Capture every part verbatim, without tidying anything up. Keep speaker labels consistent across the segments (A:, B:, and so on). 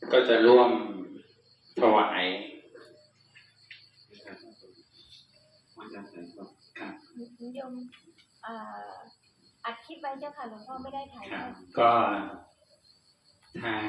A: ก็จะร่วมถวายครับ
B: โยมอัดคลิปไว้เจ้าค่ะหลวงพ่อไม่ได้ถ่าย
A: ก็ทาง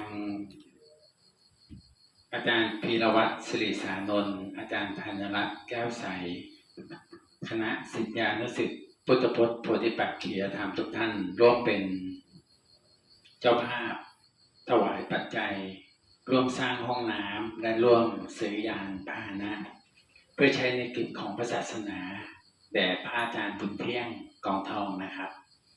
A: อาจารย์พีรวัตรศิริสานนท์อาจารย์ธัญรัตน์แก้วใสคณะศิษยานุศิษย์พุทธพจน์โพธิปักขิยธรรมทุกท่านร่วมเป็นเจ้าภาพถวายปัจจัยร่วมสร้างห้องน้ำและร่วมซื้อยานพาหนะเพื่อใช้ในกิจของพระศาสนาแด่พระอาจารย์บุญเที่ยงกองทองนะครับ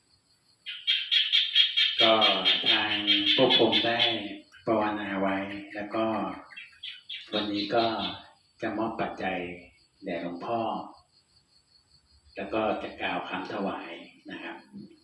A: ก็ทางพวกผมได้ภาวนาไว้แล้วก็วันนี้ก็จะมอบปัจจัยแด่หลวงพ่อแล้วก็จะกล่าวคำถวายนะครับ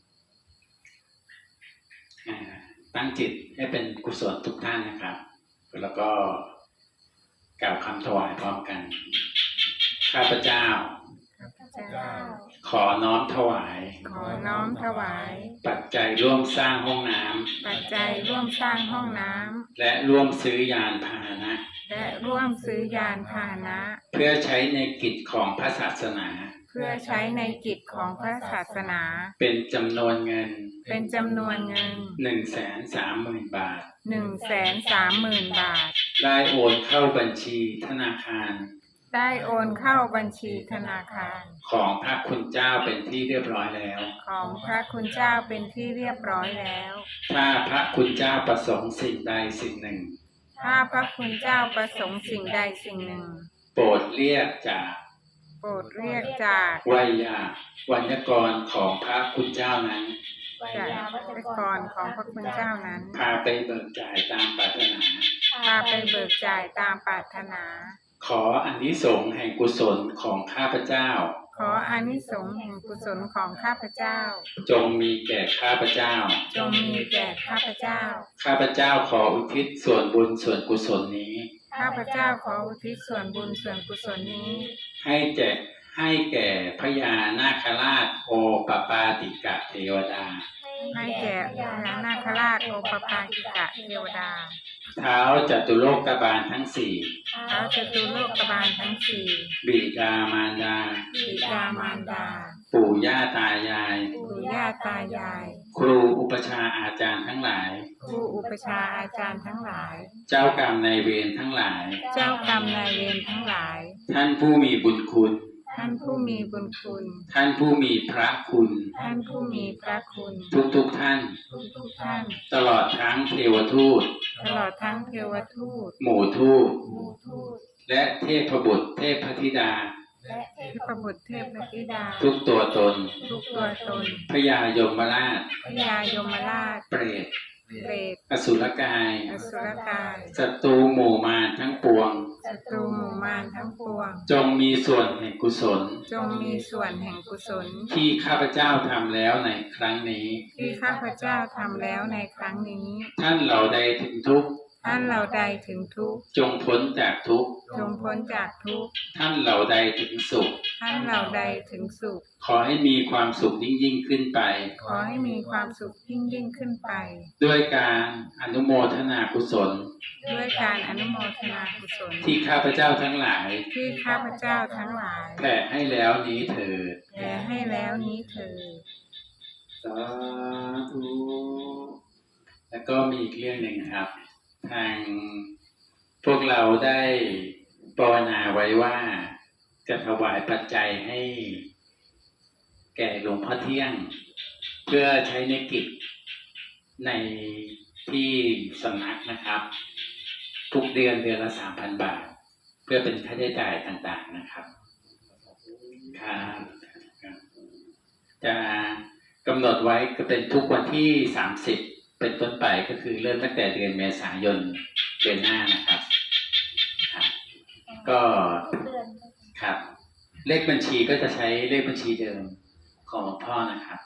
A: ตั้งจิตให้เป็นกุศลทุกท่านนะครับแล้วก็กล่าวคำถวายพร้อมกันข้าพเจ้าขอน้อมถวาย
C: ขอน้อมถวาย
A: ปัจจัยร่วมสร้างห้องน้
C: ำปัจจัยร่วมสร้างห้องน้
A: ำและร่วมซื้อยานพาหนะ
C: และร่วมซื้อยานพาหนะ
A: เพื่อใช้ในกิจของพระศาสนา
C: เพื่อใช้ในกิจของพระศาสนา
A: เป็นจำนวนเงิน
C: เป็นจำนวนเงิน
A: หนึ่งแสนสามหมื่นบาท
C: หนึ่งแสนสามหมื่นบาท
A: ได้โอนเข้าบัญชีธนาคาร
C: ได้โอนเข้าบัญชีธนาคาร
A: ของพระคุณเจ้าเป็นที่เรียบร้อยแล้ว
C: ของพระคุณเจ้าเป็นที่เรียบร้อยแล้ว
A: ถ้าพระคุณเจ้าประสงค์สิ่งใดสิ่งหนึ่ง
C: ถ้าพระคุณเจ้าประสงค์สิ่งใดสิ่งหนึ่ง
A: โปรดเรียกจาก
C: โปรดเรียกจาก
A: ไวยาวัญกรของพระคุณเจ้านั้น
C: จากวัญกรของพระคุณเจ้านั้น
A: พาไปเบิกจ่ายตามปรารถนา
C: พาไปเบิกจ่ายตามปรารถนา
A: ขออานิสงส์แห่งกุศลของข้าพเจ้า
C: ขออานิสงส์แห่งกุศลของข้าพเจ้า
A: จงมีแก่ข้าพเจ้า
C: จงมีแก่ข้าพเจ้า
A: ข้าพเจ้าขออุทิศส่วนบุญส่วนกุศลนี้
C: ข้าพเจ้าขออุทิศส่วนบุญส่วนกุศลนี้
A: ให้แก่ให้แก่พญานาคราชโอปปาติกะเทวดา
C: ให้แก่พญานาคราชโอปปาติกะเทวดา
A: เท้าจตุโลกบาลทั้งสี่
C: เท้าจตุโลกบาลทั้งสี่
A: บิดามารดา
C: บิดามารดา
A: ปู่ย่าตายาย
C: ปู่ย่าตายาย
A: ครูอุปชาอาจารย์ทั้งหลาย
C: ครูอุปชาอาจารย์ทั้งหลาย
A: เจ้ากรรมนายเวรทั้งหลาย
C: เจ้ากรรมนายเวรทั้งหลาย
A: ท่านผู้มีบุญคุณ
C: ท่านผู้มีบุญคุณ
A: ท่านผู้มีพระคุณ
C: ท่านผู้มีพระคุณ
A: ทุกทุกท่าน
C: ทุกทุกท่าน
A: ตลอดทั้งเทวทูต
C: ตลอดทั้งเทวทูต
A: หมู่ทูตและเทพบุตรเทพธิดา
C: และเทพบุตรเทพธิดา
A: ทุกตัวตน
C: ทุกตัวตน
A: พญายมราช
C: พญายมราช
A: เปรต
C: เปรต
A: อสุรกาย
C: อสุรกาย
A: ศัตรูหมู่มารทั้งปวง
C: ศัตรูหมู่มารทั้งปวง
A: จงมีส่วนแห่งกุศล
C: จงมีส่วนแห่งกุศล
A: ที่ข้าพเจ้าทำแล้วในครั้งนี้
C: ที่ข้าพเจ้าทำแล้วในครั้งนี้
A: ท่านเหล่าใดถึงทุกข์
C: ท่านเหล่าใดถึงทุกข์
A: จงพ้นจากทุกข์
C: จงพ้นจากทุกข์
A: ท่านเหล่าใดถึงสุข
C: ท่านเหล่าใดถึงสุข
A: ขอให้มีความสุขยิ่งยิ่งขึ้นไป
C: ขอให้มีความสุขยิ่งยิ่งขึ้นไป
A: ด้วยการอนุโมทนากุศล
C: ด้วยการอนุโมทนากุศล
A: ที่ข้าพเจ้าทั้งหลาย
C: ที่ข้าพเจ้าทั้งหลาย
A: แผ่ให้แล้วนี้เถิด
C: แผ่ให้แล้วนี้เถิด
A: สาธุแล้วก็มีอีกเรื่องหนึ่งครับทางพวกเราได้ภาวนาไว้ว่าจะถวายปัจจัยให้แก่หลวงพ่อเที่ยงเพื่อใช้ในกิจในที่สำนักนะครับทุกเดือนเดือนละ สามพัน บาทเพื่อเป็นค่าใช้จ่ายต่างๆนะครับครับจะกำหนดไว้ก็เป็นทุกวันที่สามสิบเป็นต้นไปก็คือเริ่มตั้งแต่เดือนเมษายนเดือนหน้านะครับครับก็ครับเลขบัญชีก็จะใช้เลขบัญชีเดิมของหลวงพ่อนะครับ